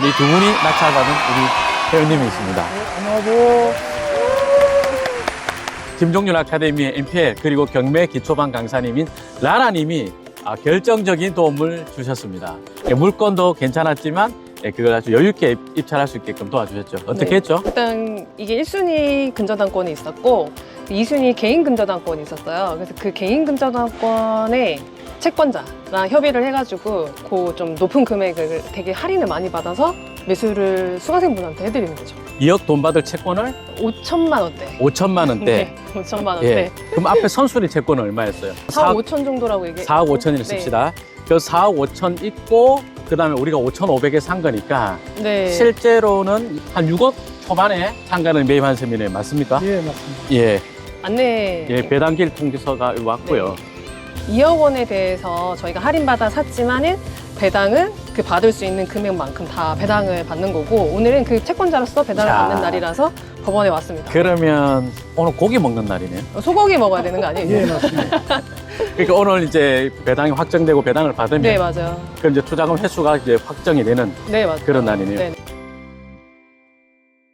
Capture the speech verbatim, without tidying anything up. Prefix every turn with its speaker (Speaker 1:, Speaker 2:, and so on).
Speaker 1: 이 두 분이 낙찰받은 우리 회원님이 있습니다.
Speaker 2: 안녕하세요.
Speaker 1: 김종률 아카데미의 엠피엘 그리고 경매 기초반 강사님인 라라님이 아, 결정적인 도움을 주셨습니다. 예, 물건도 괜찮았지만 예, 그걸 아주 여유 있게 입찰할 수 있게끔 도와주셨죠. 어떻게
Speaker 2: 네.
Speaker 1: 했죠?
Speaker 2: 일단 이게 일 순위 근저당권이 있었고 이 순위 개인 근저당권이 있었어요. 그래서 그 개인 근저당권에 채권자랑 협의를 해가지고 그 좀 높은 금액을 되게 할인을 많이 받아서 매수를 수강생분한테 해드리는 거죠.
Speaker 1: 이억 돈 받을 채권을
Speaker 2: 오천만 원대.
Speaker 1: 오천만 원대.
Speaker 2: 네, 오천만 원대.
Speaker 1: 예. 그럼 앞에 선순위 채권은 얼마였어요?
Speaker 2: 사억 오천 정도라고 얘기해.
Speaker 1: 사억 오천을
Speaker 2: 네.
Speaker 1: 씁시다. 그 사억 오천 있고 그다음에 우리가 오천오백에 산 거니까
Speaker 2: 네.
Speaker 1: 실제로는 한 육억 초반에 상가를 매입한 셈이네. 맞습니까?
Speaker 3: 예, 맞습니다.
Speaker 1: 예.
Speaker 2: 안내.
Speaker 1: 예, 배당길 통지서가 왔고요.
Speaker 2: 이억 원에 대해서 저희가 할인받아 샀지만은 배당은 그 받을 수 있는 금액만큼 다 배당을 받는 거고 오늘은 그 채권자로서 배당을
Speaker 1: 자.
Speaker 2: 받는 날이라서 법원에 왔습니다.
Speaker 1: 그러면 오늘 고기 먹는 날이네요.
Speaker 2: 소고기 먹어야 되는 거 아니에요?
Speaker 3: 예, 맞습니다.
Speaker 1: 그러니까 오늘 이제 배당이 확정되고 배당을 받으면
Speaker 2: 네, 맞아요.
Speaker 1: 그럼 이제 투자금 회수가 이제 확정이 되는
Speaker 2: 네, 맞아요.
Speaker 1: 그런 날이네요.
Speaker 2: 네.